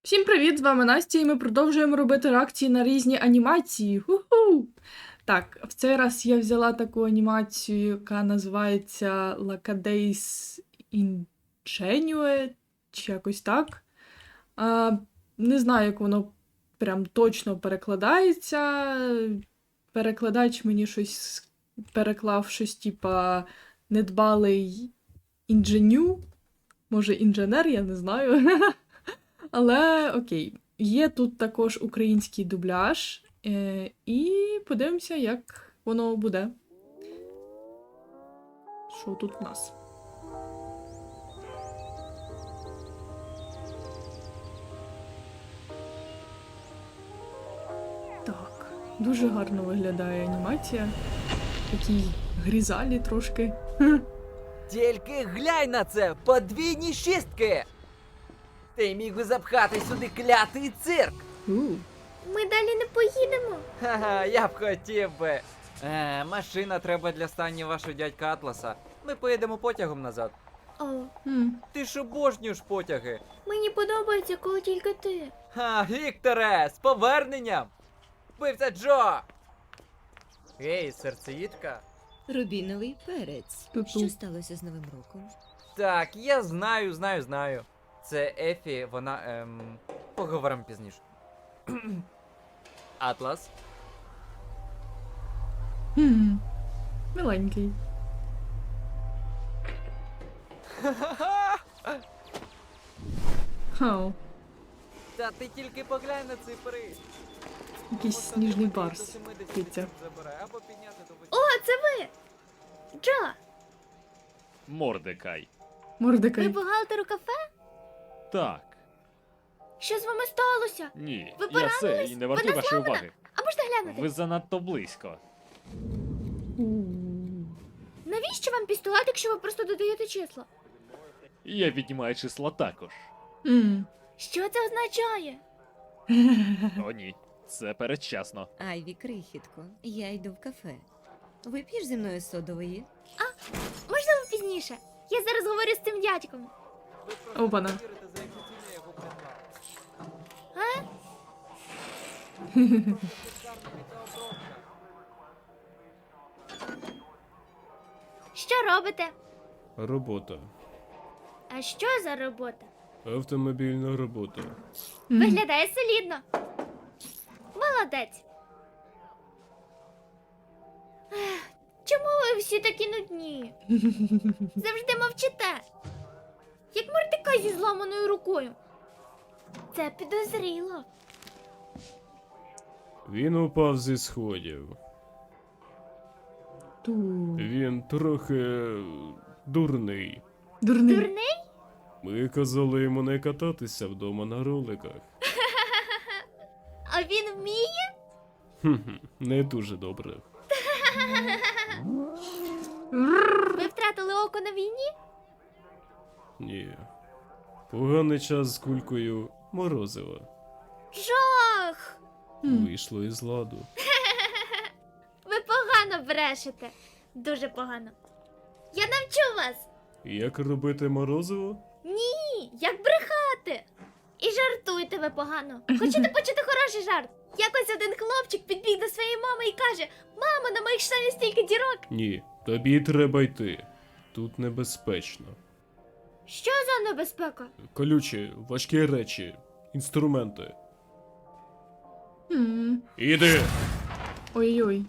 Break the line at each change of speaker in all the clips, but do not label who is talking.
Всім привіт! З вами Настя, і ми продовжуємо робити реакції на різні анімації. Ху-ху! Так, в цей раз я взяла таку анімацію, яка називається Lacadays Ingenue, чи якось так. Не знаю, як воно прям точно перекладається. Перекладач мені щось переклав щось, типа недбалий інженю. Може, інженер, я не знаю. Але окей, є тут також український дубляж, і подивимося, як воно буде. Що тут у нас? Так, дуже гарно виглядає анімація. Такі грізалі трошки.
Тільки глянь на це! Подвійні шістки! Ти міг би запхати сюди клятий цирк!
Ми далі не поїдемо.
Ха-ха, я б хотів би. Машина треба для стані вашого дядька Атласа. Ми поїдемо потягом назад.
О,
Ти ж обожнюєш потяги.
мені подобається, коли тільки ти.
Ха, Вікторе, з поверненням! Вбивця Джо! Ей, серцеїдка.
Рубіновий перець.
Ту-ту.
Що сталося з Новим роком?
Так, я знаю. Це Ефі, вона, поговоримо пізніше. Атлас.
Миленький. Хау,
Та ти тільки поглянь на цифри.
якийсь сніжний барс. Киця.
Або підняти до
О, це ви! Джо,
Мордекай.
ви
Мордекай.
бухгалтер у кафе?
Так.
Що з вами сталося?
Ні.
Ви
Я це
поранились?
і не вартую
Вона
вашої
зламана?
уваги.
А можна глянути?
Ви занадто близько.
Навіщо вам пістолет, якщо ви просто додаєте числа?
Я віднімаю числа також.
Що це означає?
О, ні. Це передчасно.
Айві, крихітко, я йду в кафе. Вип'єш зі мною содової?
Можливо, пізніше. Я зараз говорю з цим дядьком.
Опана.
Що робите?
Робота.
А що за робота?
Автомобільна робота.
Виглядає солідно. Молодець. Ех, чому ви всі такі нудні? Завжди мовчите. Як мордекай зі зламаною рукою. Це підозріло.
Він упав зі сходів. Він трохи дурний.
Дурний.
Дурний?
Ми казали йому не кататися вдома на роликах.
А він вміє?
Не дуже добре.
Ви втратили око на війні?
Ні. Поганий час з кулькою морозива.
Жах!
Вийшло із ладу.
Ви погано брешете. Дуже погано. Я навчу вас.
Як робити морозиво?
Ні, як брехати. І жартуєте ви погано. Хочете почути хороший жарт? Якось один хлопчик підбіг до своєї мами і каже: Мамо, на моїх штанях стільки дірок.
Ні. Тобі треба йти. Тут небезпечно.
Що за небезпека?
Колючі, важкі речі, інструменти.
М.
Іди!
Ой-ой.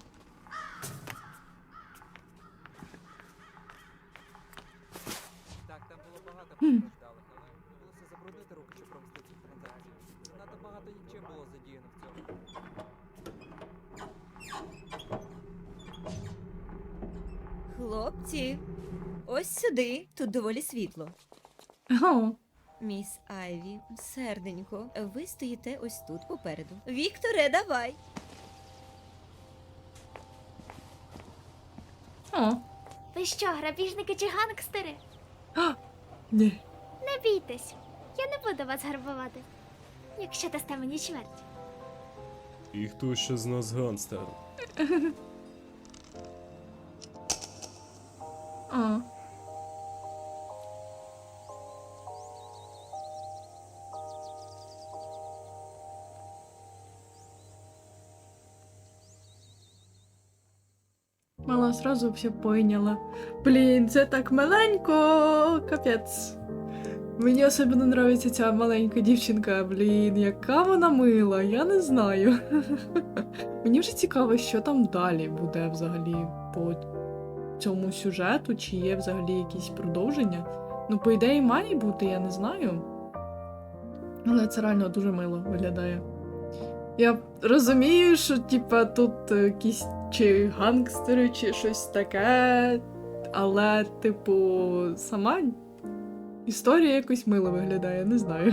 Так, там було багато постраждалих, але довелося забруднити руки, щоб провести цю транзакцію. Надто багато нічим було задіяно в цьому.
Хлопці, ось сюди. Тут доволі світло.
О,
Міс Айві, серденько, ви стоїте ось тут попереду. Вікторе, давай.
о.
Ви що, грабіжники чи гангстери?
Ні.
Не бійтесь. Я не буду вас грабувати. Якщо дасте мені чверть.
І хто ще з нас ганстер?
О. Мала сразу все поняла. Блін, це так маленько, капець. Мені особливо подобається ця маленька дівчинка, блін, яка вона мила, я не знаю. Мені вже цікаво, що там далі буде взагалі по цьому сюжету, чи є взагалі якісь продовження. Ну, по ідеї, має бути, я не знаю. Але це реально дуже мило виглядає. Я розумію, що типа тут якісь чи гангстери, чи щось таке, але, типу, сама історія якось мило виглядає, не знаю.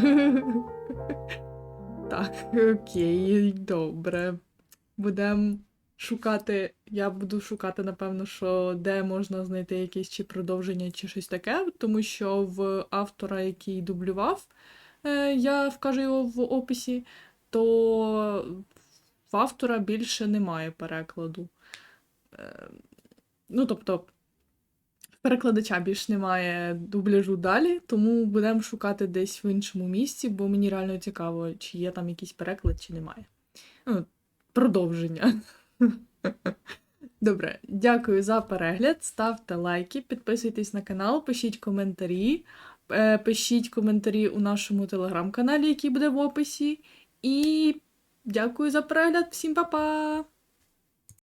Так, окей, добре. Будемо шукати. Я буду шукати, напевно, що де можна знайти якесь чи продовження, чи щось таке, тому що в автора, який дублював, я вкажу його в описі, то в автора більше немає перекладу. Ну, тобто, в перекладача більше немає дубляжу далі, тому будемо шукати десь в іншому місці, бо мені реально цікаво, чи є там якийсь переклад, чи немає. Ну, продовження. Добре, дякую за перегляд. Ставте лайки, підписуйтесь на канал, пишіть коментарі. Пишіть коментарі у нашому телеграм-каналі, який буде в описі. І дякую за перегляд. Всім па-па!